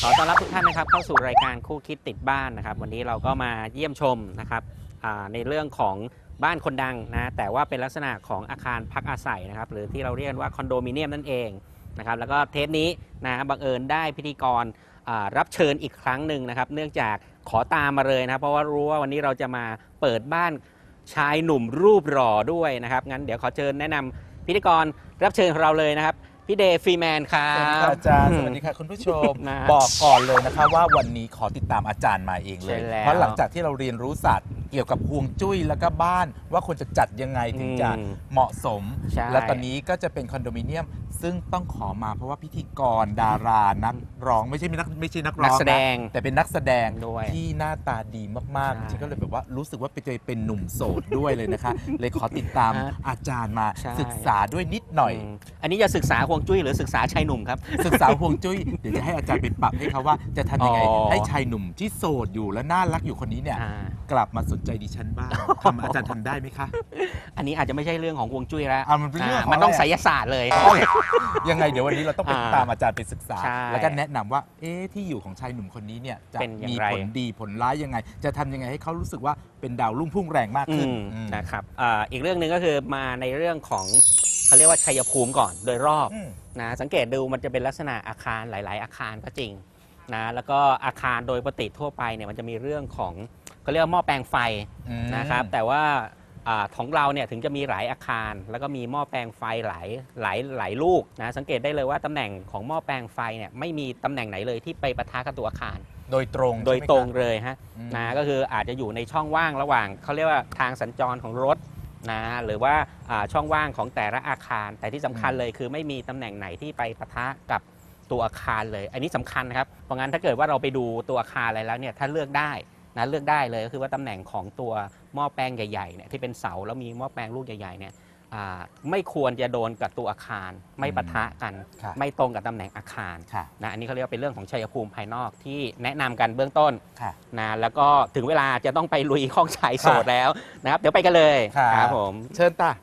ขอต้อนรับทุกท่านนะครับเข้าสู่รายการคู่คิดติดบ้านนะครับวันนี้เราก็มาเยี่ยมชมนะครับในเรื่องของบ้านคนดังนะแต่ว่าเป็นลักษณะของอาคารพักอาศัยนะครับหรือที่เราเรียกว่าคอนโดมิเนียมนั่นเองนะครับแล้วก็เทปนี้นะบังเอิญได้พิธีกรรับเชิญอีกครั้งหนึ่งนะครับเนื่องจากขอตามมาเลยนะครับเพราะว่ารู้ว่าวันนี้เราจะมาเปิดบ้านชายหนุ่มรูปหล่อด้วยนะครับงั้นเดี๋ยวขอเชิญแนะนำพิธีกรรับเชิญของเราเลยนะครับพี่เดย์ฟรีแมนครับสวัสดีค่ะอาจารย์สวัสดีค่ะคุณผู้ชม บอกก่อนเลยนะคะว่าวันนี้ขอติดตามอาจารย์มาเองเลยเพราะหลังจากที่เราเรียนรู้ศาสตร์เกี่ยวกับฮวงจุ้ยแล้วก็บ้านว่าควรจะจัดยังไงถึงจะเหมาะสมและตอนนี้ก็จะเป็นคอนโดมิเนียมซึ่งต้องขอมาเพราะว่าพิธีกรดารานักร้องไม่ใช่นักร้องแสดงแต่เป็นนักแสดงด้วยที่หน้าตาดีมากๆจริงๆก็เลยแบบว่ารู้สึกว่าเป็นหนุ่มโสดด้วยเลยนะคะ เลยขอติดตามอาจารย์มาศึกษาด้วยนิดหน่อยอันนี้จะศึกษาฮวงจุ้ยหรือศึกษาชายหนุ่มครับศึกษาฮวงจุ้ยเดี๋ยวจะให้อาจารย์ไปปรับให้เขาว่าจะทำยังไงให้ชายหนุ่มที่โสดอยู่และน่ารักอยู่คนนี้เนี่ยกลับมาสนใจดิฉันบ้างอาจารย์ทำได้ไหมคะอันนี้อาจจะไม่ใช่เรื่องของฮวงจุ้ยแล้วมันเป็นเรื่องของมันต้องไสยศาสตร์เลยยังไงเดี๋ยววันนี้เราต้องไปตามอาจารย์ไปศึกษาใช่แล้วก็แนะนำว่าที่อยู่ของชายหนุ่มคนนี้เนี่ยจะเป็นอย่างมีไรผลดีผลร้ายยังไง จะทำยังไงให้เขารู้สึกว่าเป็นดาวรุ่งพุ่งแรงมากขึ้นนะครับอีกเรื่องหนึ่งก็คือมาในเรื่องของเขาเรียกว่าชัยภูมิก่อนโดยรอบนะสังเกตดูมันจะเป็นลักษณะอาคารหลาย ๆ อาคารก็จริงนะแล้วก็อาคารโดยปกติทั่วไปเนี่ยมันจะมีเรื่องของเขาเรียกว่าหม้อแปลงไฟนะครับแต่ว่าของเราเนี่ยถึงจะมีหลายอาคารแล้วก็มีหม้อแปลงไฟหลายลูกนะสังเกตได้เลยว่าตำแหน่งของหม้อแปลงไฟเนี่ยไม่มีตำแหน่งไหนเลยที่ไปปะทะกับตัวอาคารโดยตรงเลยฮะนะก็คืออาจจะอยู่ในช่องว่างระหว่างเขาเรียกว่าทางสัญจรของรถนะหรือว่าช่องว่างของแต่ละอาคารแต่ที่สำคัญเลยคือไม่มีตำแหน่งไหนที่ไปปะทะกับตัวอาคารเลยอันนี้สำคัญนะครับเพราะงั้นถ้าเกิดว่าเราไปดูตัวอาคารอะไรแล้วเนี่ยถ้าเลือกได้นะเลือกได้เลยก็คือว่าตำแหน่งของตัวหม้อแปลงใหญ่ๆเนี่ยที่เป็นเสาแล้วมีหม้อแปลงลูกใหญ่ๆเนี่ยไม่ควรจะโดนกับตัวอาคารไม่ปะทะกันไม่ตรงกับตำแหน่งอาคารนะอันนี้เขาเรียกว่าเป็นเรื่องของชัยภูมิภายนอกที่แนะนำกันเบื้องต้นนะแล้วก็ถึงเวลาจะต้องไปลุยห้องชายโสดแล้วนะครับเดี๋ยวไปกันเลยครับผมเชิญตา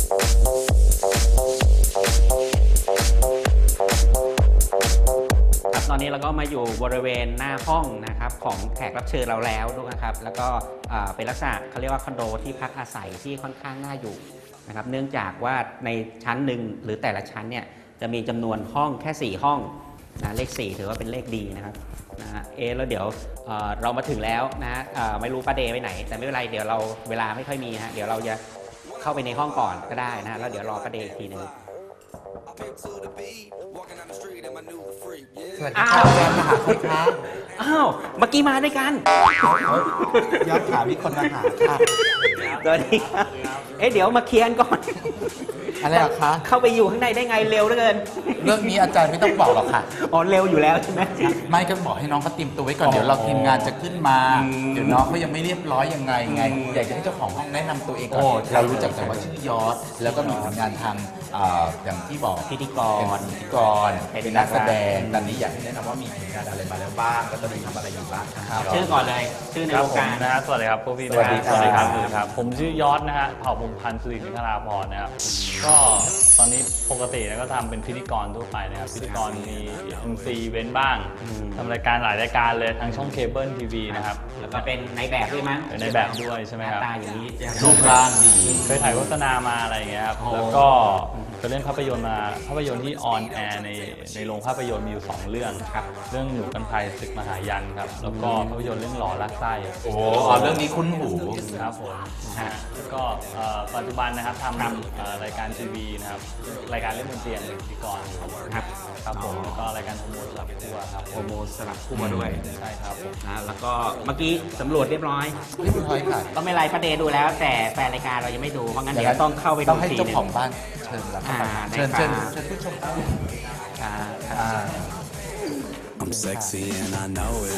ตอนนี้เราก็มาอยู่บริเวณหน้าห้องนะครับของแขกรับเชิญเราแล้วนะครับแล้วก็เป็นลักษณะเขาเรียกว่าคอนโดที่พักอาศัยที่ค่อนข้างน่าอยู่นะครับเนื่องจากว่าในชั้นหนึ่งหรือแต่ละชั้นเนี่ยจะมีจำนวนห้องแค่4ห้องนะเลข4ถือว่าเป็นเลขดีนะครับแล้วเดี๋ยวเรามาถึงแล้วนะไม่รู้ป้าเดย์ไปไหนแต่ไม่เป็นไรเดี๋ยวเราเวลาไม่ค่อยมีนะเดี๋ยวเราจะเข้าไปในห้องก่อนก็ได้นะแล้วเดี๋ยวรอป้าเดย์อีกทีนึงสวัสดีค่ะอาจารย์มาหาใครคะอ้าวเมื่อกี้มาด้วยกันยอดขามีคนมาหาค่ะสวัสดีครับเดี๋ยวมาเคลียร์ก่อนอะไรหรอคะเข้าไปอยู่ข้างในได้ไงเร็วเหลือเกินเรื่องนี้อาจารย์ไม่ต้องบอกหรอกค่ะอ๋อเร็วอยู่แล้วใช่ไหมไม่ก็บอกให้น้องเขาเตรียมตัวไว้ก่อนเดี๋ยวเราทีมงานจะขึ้นมาเดี๋ยวน้องเขายังไม่เรียบร้อยยังไงอยากจะให้เจ้าของห้องแนะนำตัวเองก่อนเรารู้จักแต่ว่าชื่อยอดแล้วก็มีผลงานทางอย่างที่บอกพิธีกรเป็นนักแสดงตอนนี้อยากให้แนะนำว่ามีผลงานอะไรมาแล้วบ้างแล้วตอนนี้ทำอะไรอยู่บ้างชื่อก่อนเลยชื่อในวงการนะฮะสวัสดีครับพวกพี่สวัสดีครับผมชื่อยอดนะฮะเผ่าพงษ์พันธ์สิรินิคราพรนะครับก็ตอนนี้ปกติก็ทำเป็นพิธีกรทั่วไปนะครับพิธีกรมี MC เว้นบ้างทำรายการหลายรายการเลยทางช่องเคเบิลทีวีนะครับแล้วก็เป็นในแบบด้วยมั้งเป็นในแบบด้วยใช่ไหมครับตาอย่างนี้รูปร่างดีเคยถ่ายโฆษณามาอะไรอย่างเงี้ยครับแล้วก็ไปเล่นภาพยนตร์มาภาพยนตร์ที่ออนแอร์ในโรงภาพยนตร์มีอยู่2เรื่องครับเรื่องหนูกันภัยศึกมหายันครับแล้วก็ภาพยนตร์เรื่องหล่อรักไส้โอ้เรื่องนี้คุ้นหูครับผมแล้วก็ปัจจุบันนะครับทำรายการทีวีนะครับรายการเล่นบนเตียงเป็นพิธีกรครับผมแล้วก็รายการโฮโมสลับคู่ครับโฮโมสลับคู่มาด้วยใช่ครับผมแล้วก็เมื่อกี้สำรวจเรียบร้อยค่ะก็ไม่ไรประเดดูแล้วแต่แฟนรายการเรายังไม่ดูเพราะงั้นเดี๋ยวต้องเข้าไปดูต้องให้เจ้าของบ้านเชิญแล้วเชิญผู้ชม I'm sexy and I know it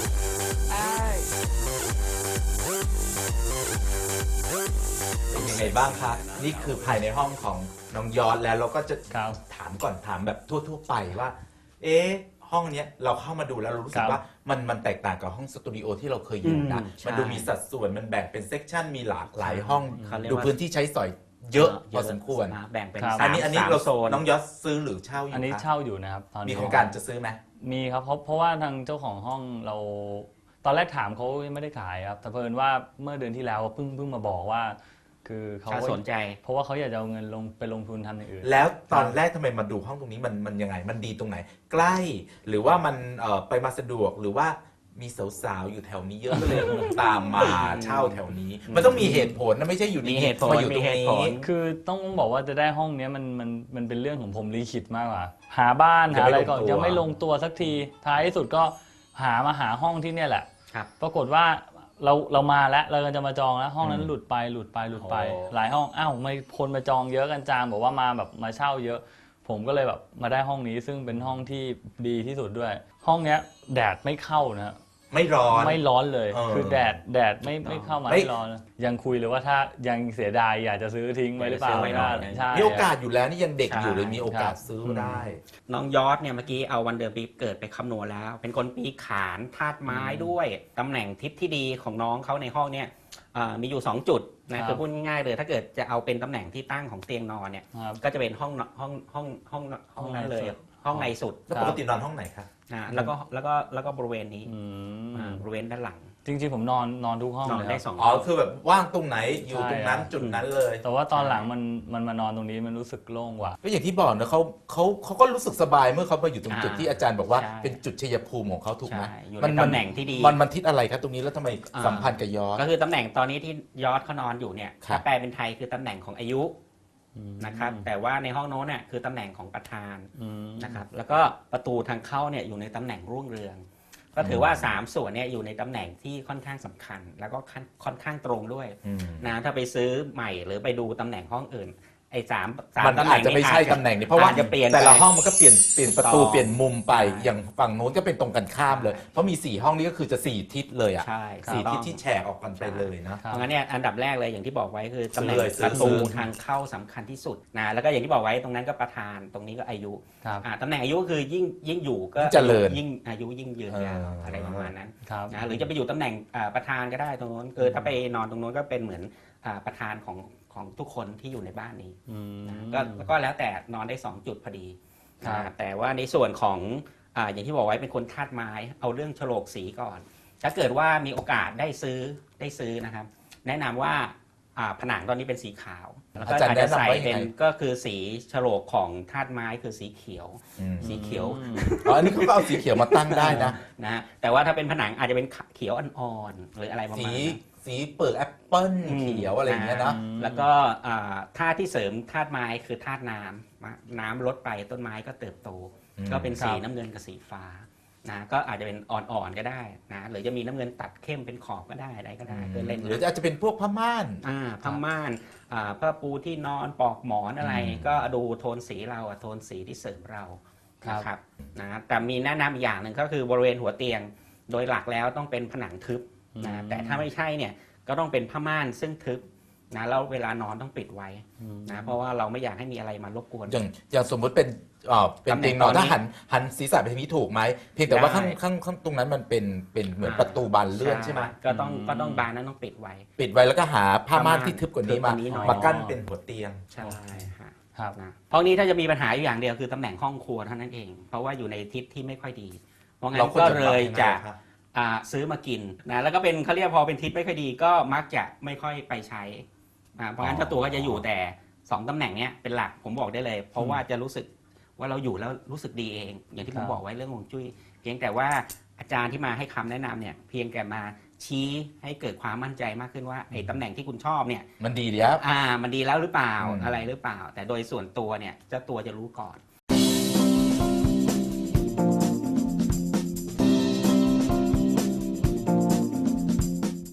เป็นยังไงบ้างคะนี่คือภายในห้องของน้องยอดแล้วเราก็จะถามก่อนถามแบบทั่วๆไปว่าห้องนี้เราเข้ามาดูแล้วเรารู้สึกว่ามันแตกต่างกับห้องสตูดิโอที่เราเคยอยู่นะมันดูมีสัดส่วนมันแบ่งเป็นเซกชันมีหลากหลายห้องดูพื้นที่ใช้สอยเยอะพอสมควรนะแบ่งเป็นครับสามอันนี้สามเราโซนน้องยอดซื้อหรือเช่าอยู่อันนี้คะเช่าอยู่นะครับตอนมีนี้โครงการจะซื้อไหมมีครับเพราะว่าทางเจ้าของห้องเราตอนแรกถามเขายังไม่ได้ขายครับแต่เพิ่นว่าเมื่อเดือนที่แล้วเพิ่งมาบอกว่า คือเขาถ้าสนใจเพราะว่าเขาอยากจะเอาเงินไปลงทุนทำอย่างอื่นแล้วตอนแรกทำไมมาดูห้องตรงนี้มันยังไงมันดีตรงไหน ใกล้หรือว่ามันไปมาสะดวกหรือว่ามีสาวๆอยู่แถวนี้เยอะก็เลยตามมาเช่าแถวนี้ มันต้องมีเหตุผลนะไม่ใช่อยู่ดีมีเหตุผลมาอยู่ตรงมีเหตุนี้ผลคือต้องบอกว่าจะได้ห้องเนี้ยมันเป็นเรื่องของผมลิขิตมากกว่าหาบ้านยังหาไม่อะไรก่อนลงตัวยังไม่ลงตัวสักทีท้ายที่สุดก็มาหาห้องที่เนี่ยแหละครับปรากฏว่าเรามาแล้วเราก็จะมาจองแล้วห้องนั้นหลุดไปโอ้หลายห้องอ้าวไม่คนมาจองเยอะกันจางบอกว่ามาแบบมาเช่าเยอะ ผมก็เลยแบบมาได้ห้องนี้ซึ่งเป็นห้องที่ดีที่สุดด้วย ห้องเนี้ยแดดไม่เข้านะไม่ร้อนไม่ร้อนเลยเออคือแดดไม่เข้ามาไม่ไม่ร้อนเลยยังคุยเลยว่าถ้ายังเสียดายอยากจะซื้อทิ้งไว้หรือเปล่าอยากจะซื้อไว้หน่อยใช่มีโอกาสอยู่แล้วนี่ยังเด็กอยู่ใช่เลยมีโอกาสซื้อได้น้องยอดเนี่ยเมื่อกี้เอาวันเดือนปีเกิดไปคำนวณแล้ว เป็นคนปีขานธาตุไม้ด้วยตำแหน่งทิศที่ดีของน้องเขาในห้องเนี่ยมีอยู่ 2 จุดนะคือพูดง่ายๆเลยถ้าเกิดจะเอาเป็นตำแหน่งที่ตั้งของเตียงนอนเนี่ยครับก็จะเป็นห้องนั้นเลย ห้องในสุดแล้วปกตินอนห้องไหนคะนะแล้วก็บริเวณนี้อืมบริเวณด้านหลังจริงๆผมนอนทุกห้องนอนเลยได้ครับ 2 อ๋อคือแบบว่างตรงไหนอยู่ตรงนั้นใช่จุดนั้นเลยแต่ว่าตอนหลังมันมานอนตรงนี้มันรู้สึกโล่งกว่าก็อย่างที่บอกนะเขาก็รู้สึกสบายเมื่อเขามาอยู่ตรงจุดที่อาจารย์บอกว่าใช่เป็นจุดชัยภูมิของเขาถูกไหมใช่อยู่ในตำแหน่งที่ดีมันทิศอะไรครับตรงนี้แล้วทำไมสัมพันธ์กับยอดก็คือตำแหน่งตอนนี้ที่ยอดเขานอนอยู่เนี่ยครับถ้าแปลเป็นไทยคือตำแหน่งของอายุนะครับแต่ว่าในห้องโน้นเนี่ยคือตำแหน่งของประธานนะครับแล้วก็ประตูทางเข้าเนี่ยอยู่ในตำแหน่งรุ่งเรือง ก็ถือว่า 3 ส่วนเนี่ยอยู่ในตำแหน่งที่ค่อนข้างสำคัญ แล้วก็ค่อนข้างตรงด้วยอืมนะถ้าไปซื้อใหม่หรือไปดูตำแหน่งห้องอื่นไอ้สามมันตำแหอาน่จงจะไม่ใช่ตำแหน่งนี้เพราะว่าอจจะเปลี่ยนแต่ละไปห้องมันก็เปลี่ยนประตูถูกต้องเปลี่ยนมุมไปใช่อย่างฝั่งโน้นก็เป็นตรงกันข้ามเลย เพราะมี 4 ห้องนี้ก็คือจะ 4 ทิศเลยอ่ะใช่สี่ถูกทิศต้องที่แฉกออกกันไปเลยนะเพราะงั้นเนี่ยอันดับแรกเลยอย่างที่บอกไว้คือตำแหน่งซื้อเลยประตูซื้อทางเข้าสำคัญที่สุดนะแล้วก็อย่างที่บอกไว้ตรงนั้นก็ประธานตรงนี้ก็อายุครับตำแหน่งอายุคือยิ่งอยู่ก็เจริญยิ่งอายุยิ่งยืนยาวอะไรประมาณนั้นครับนะหรือจะไปอยู่ตำแหน่งประธานก็ได้ตรงนู้นคือถ้าไปนอนตรงนู้นก็เป็นเหมือนประธานของทุกคนที่อยู่ในบ้านนี้ นะก็แล้วแต่นอนได้ 2 จุดพอดีครับแต่ว่าในส่วนของอย่างที่บอกไว้เป็นคนธาตุไม้เอาเรื่องโฉลกสีก่อน ถ้าเกิดว่ามีโอกาสได้ซื้อนะครับ แนะนำว่าผนังตอนนี้เป็นสีขาวแล้วก็อาจารย์อาจจะใส่แนะนำว่ายังไงเป็นก็คือสีโฉลกของธาตุไม้คือสีเขียวอืมสีเขียวอ๋ออันนี้เขาก็เอาสีเขียวมาตั้งได้นะนะฮะแต่ว่าถ้าเป็นผนังอาจจะเป็นเขียวอ่อนๆหรืออะไรประสีมาณนั้นสีเปลือกแอปเปิ้ลเขียวอะไรอย่างเงี้ยนะแล้วก็ธาตุที่เสริมธาตุไม้คือธาตุน้ำลดไปต้นไม้ก็เติบโตอืมก็เป็นสีครับน้ำเงินกับสีฟ้านะก็อาจจะเป็นอ่อนๆก็ได้นะหรือจะมีน้ำเงินตัดเข้มเป็นขอบก็ได้อะไรก็ได้เพื่อเล่นหรืออาจจะเป็นพวกผ้าม่านผ้าม่านผ้าปูที่นอนปลอกหมอนอะไรอืมก็ดูโทนสีเราโทนสีที่เสริมเราครับนะครับนะแต่มีแนะนำอีกอย่างหนึ่งก็คือบริเวณหัวเตียง โดยหลักแล้วต้องเป็นผนังทึบนะแต่ถ้าไม่ใช่เนี่ยก็ต้องเป็นผ้าม่านซึ่งทึบนะแล้วเวลานอนต้องปิดไว้นะเพราะว่าเราไม่อยากให้มีอะไรมารบกวนอย่างสมมุติเป็นเป็นเตียงนอนตำแหน่งตอนนี้ถ้าหันศีรษะไปทางนี้ถูกไหมเพียงแต่ว่าได้ข้างตรงนั้นมันเป็นเหมือนประตูบานเลื่อนใช่ไหมก็ต้องบานนั้นต้องปิดไว้ปิดไว้แล้วก็หาผ้าม่านที่ทึบกว่านี้ทึบกว่านี้หน่อยมากั้นเป็นหัวเตียงใช่ฮะครับนะห้องนี้ถ้าจะมีปัญหาอยู่อย่างเดียวคือตำแหน่งห้องครัวเท่านั้นเอง เพราะว่าอยู่ในทิศที่ไม่ค่อยดี เพราะงั้เรานควรก็จะเลยจะปรับยังไงครับซื้อมากินนะแล้วก็เป็นเขาเรียกพอเป็นทิศไม่ค่อยดีก็มักจะไม่ค่อยไปใช้เพราะงั้นเจ้าตัวก็จะอยู่แต่ 2ตำแหน่งเนี้ยเป็นหลักผมบอกได้เลย เพราะว่าจะรู้สึกว่าเราอยู่แล้วรู้สึกดีเอง อย่างที่ผมบอกไว้เรื่องฮวงจุ้ยเพียงแต่ว่าอาจารย์ที่มาให้คำแนะนำเนี่ยเพียงแต่มาชี้ให้เกิดความมั่นใจมากขึ้นว่าไอ้ตำแหน่งที่คุณชอบเนี่ยมันดีแล้วมันดีแล้วหรือเปล่าอืมอะไรหรือเปล่า แต่โดยส่วนตัวเนี่ยเจ้าตัวจะรู้ก่อน